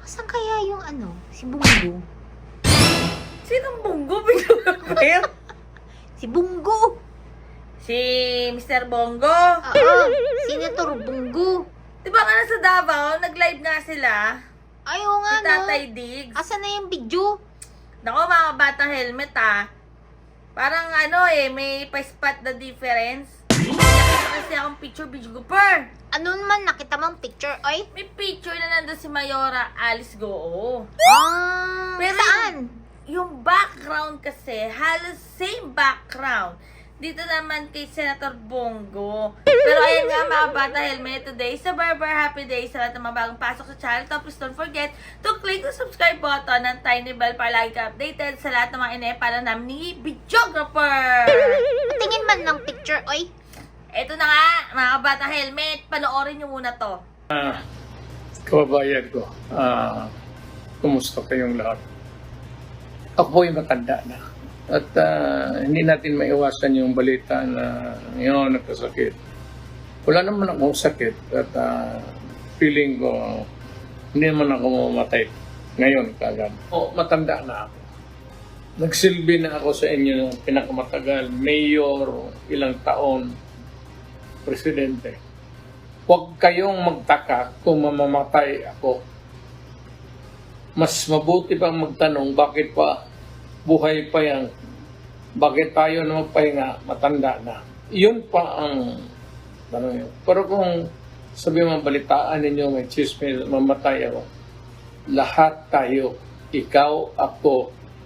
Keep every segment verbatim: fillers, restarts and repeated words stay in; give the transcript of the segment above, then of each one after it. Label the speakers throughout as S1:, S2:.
S1: Saan kaya yung ano, si Bungo?
S2: Sinong Bungo? Bigla
S1: Si Bungo!
S2: Si mister Bongo.
S1: Oo, Senator Bungo.
S2: Di ba nga nasa Davao, nag-live nga sila?
S1: Ay, oo nga,
S2: Si
S1: no?
S2: Tatay Diggs.
S1: Asan na yung video?
S2: Nako, mga batang helmet ah. Parang ano eh, may pa-spot the difference. Nakita kasi akong picture, video ko per.
S1: Ano naman, nakita mong picture? Ay,
S2: May picture na nandun si Mayora Alice Goo.
S1: ah,
S2: Pero
S1: saan?
S2: Yung background kasi, halos same background. Dito naman kay Senator Bongo. Pero ayan nga mga bata helmet, today sa Barber Happy Day sa lahat ng mga bagong pasok sa channel. Tapos don't forget to click the subscribe button ng tiny bell para lagi ka updated sa lahat ng mga inepala namin ni videographer.
S1: Tingin man ng picture, oy.
S2: Eto na nga, mga bata helmet, panoorin nyo muna to.
S3: Ah, kababayan ko, ah, kumusta kayong lahat? Ako po yung matanda na. At ah, hindi natin maiwasan yung balita na yun, nagkasakit. Wala naman akong sakit at ah, feeling ko hindi naman ako mamatay ngayon kagad. O, matanda na ako. Nagsilbi na ako sa inyo ng pinakamatagal, mayor, ilang taon, presidente. Huwag kayong magtaka kung mamamatay ako. Mas mabuti pang magtanong bakit pa buhay pa yan, bakit tayo na magpahinga, matanda na. Yun pa ang tanong yun. Pero kung sabi mo balitaan ninyo may chismis, mamatay ako, lahat tayo, ikaw, ako,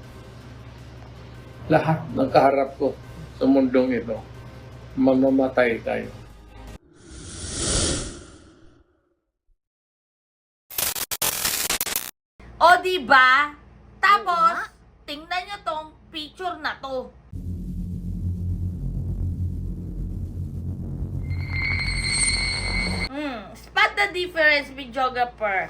S3: lahat ng kaharap ko sa mundong ito, mamamatay tayo.
S2: O diba? Tapos, tingnan nyo tong picture na to. Hmm, spot the difference, videographer.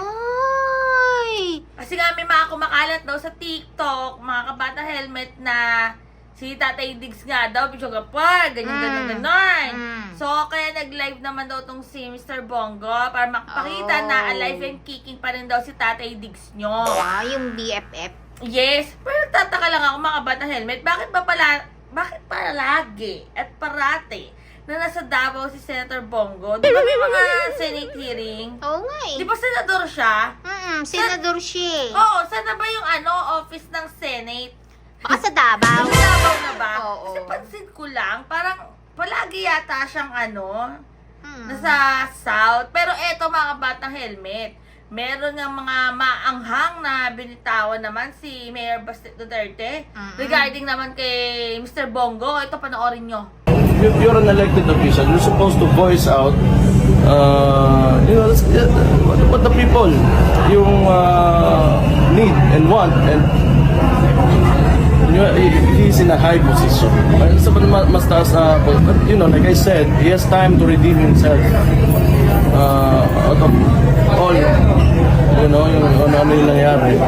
S1: Oy!
S2: Kasi nga may mga kumakalat daw sa TikTok, mga kabata helmet na si Tatay Diggs nga daw, videographer, ganyan,
S1: Mm.
S2: ganyan, ganyan.
S1: Mm.
S2: So, kaya nag-live naman daw tong si mister Bongo para makapakita
S1: Oh.
S2: na alive and kicking pa rin daw si Tatay Diggs nyo.
S1: Ah, yung B F F.
S2: Yes, pero tataka lang ako mga bata helmet, bakit ba pala, bakit palagi at parati na nasa Davao si Senator Bongo? Di ba may mga Senate hearing?
S1: Oo nga eh.
S2: Di ba senador siya?
S1: Mm, senador siya eh.
S2: Oo, saan na ba yung ano, office ng Senate?
S1: Baka sa Davao.
S2: Sa Davao na ba?
S1: Oo.
S2: Kasi pansin ko lang, parang palagi yata siyang ano,
S1: Hmm.
S2: nasa South. Pero eto mga batang helmet, meron ng mga maanghang na binitawan naman si Mayor Baste Duterte
S1: Mm-mm.
S2: regarding naman kay mister Bongo. Ito, panoorin nyo.
S4: If you're an elected official, you're supposed to voice out, uh, you know, that's- yeah, what, what the people yung uh, need and want, and you know, he- he's in a high position. Sa ma- mas taas na, but you know, like I said, he has time to redeem himself uh, out of all, you know, yung ano, ano yung nangyari.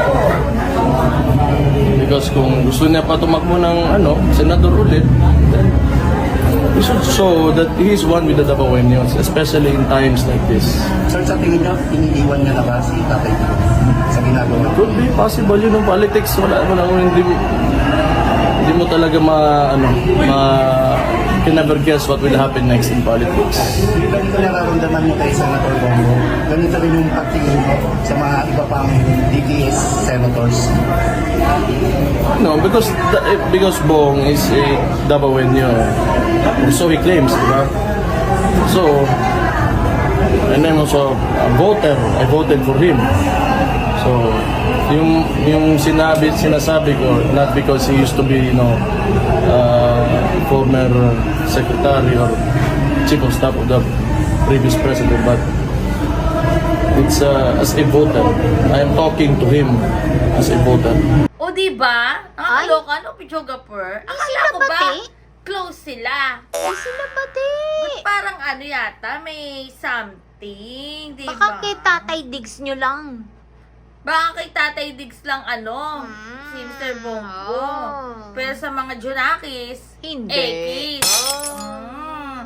S4: Because kung gusto niya pa tumakbo ng ano, senador ulit, then we should show that he is one with the Davaoenos, especially in times like this.
S5: Sir, sa tingin niyo, iniiwan niya na ba si Tatay Diggs sa ginagawa?
S4: Could be possible yun ng politics. Wala mo lang, hindi mo, hindi mo talaga ma, ano, ma, you can never guess what will happen next in politics.
S5: Yung ganito nararamdaman niyo kay Senator Bongo, ganito rin yung pagtingin mo sa mga iba pang D P S senators.
S4: No, because the, because Bong is a Davaoenyo. So he claims, di ba? So, and I'm also a voter. I voted for him. So, yung yung sinabi sinasabi ko, not because he used to be, you know, uh, former secretary or chief of staff of the previous president, but it's uh, as a voter. I am talking to him as a voter.
S2: O diba? Ang
S1: Ay.
S2: kaloka, no, videographer? Akala
S1: sila
S2: ko
S1: ba,
S2: ba,
S1: te?
S2: close sila.
S1: Ay, sila ba di?
S2: Parang ano yata, may something, di ba?
S1: Baka kay Tatay Diggs nyo lang.
S2: Baka kay Tatay Diggs lang ano,
S1: Mm.
S2: si mister Bongo.
S1: Oh.
S2: Pero sa mga Junakis,
S1: Hindi.
S2: Ekis.
S1: Oh.
S2: Mm.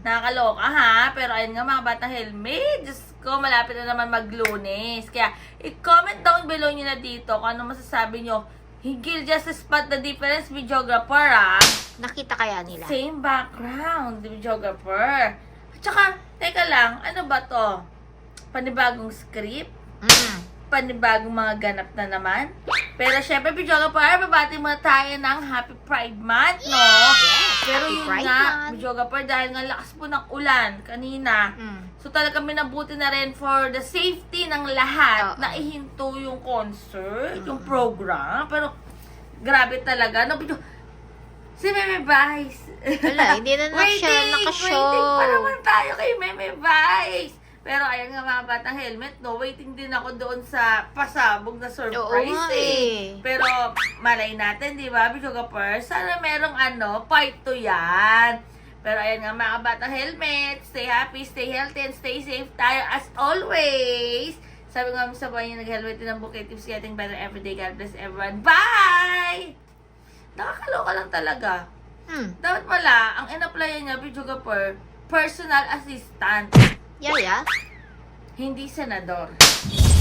S2: Nakakaloka ha, pero ayun nga mga batang helmet, Diyos ko, malapit na naman mag-Lunes. Kaya, i-comment down below nyo na dito kung ano masasabi nyo. Higil just to spot the difference, videographer ah.
S1: Nakita kaya nila?
S2: Same background, videographer. At saka, teka lang, ano ba to? Panibagong script?
S1: Mm.
S2: Panibagong mga ganap na naman? Pero syempre, videographer, babati muna tayo ng Happy Pride Month, no?
S1: Yes,
S2: Pero
S1: Happy
S2: yun
S1: Pride
S2: nga,
S1: Month.
S2: videographer, dahil nga lakas po ng ulan kanina,
S1: Mm.
S2: so talagang minabuti na rin for the safety ng lahat
S1: Oo.
S2: na ihinto yung concert, yung program. Pero, grabe talaga. No, video, si Meme Vice.
S1: Wala, hindi na na siya
S2: Waiting,
S1: nakashow.
S2: waiting pa naman tayo kay Meme Vice. Pero ayan nga mga batang helmet, no, waiting din ako doon sa pasabog na surprise
S1: Oo nga
S2: eh.
S1: eh.
S2: Pero malay natin, di ba, videographer? Sana merong ano, part two yan. Pero ayan nga mga batang helmet, stay happy, stay healthy, and stay safe tayo as always. Sabi nga sa buhay niya, nag-helmet din ang bouquet tips getting better every day. God bless everyone. Bye! Nakakaloka lang talaga.
S1: Hmm.
S2: Dapat pala, ang in-applyan niya, videographer, personal assistant,
S1: Yaya?
S2: hindi senador.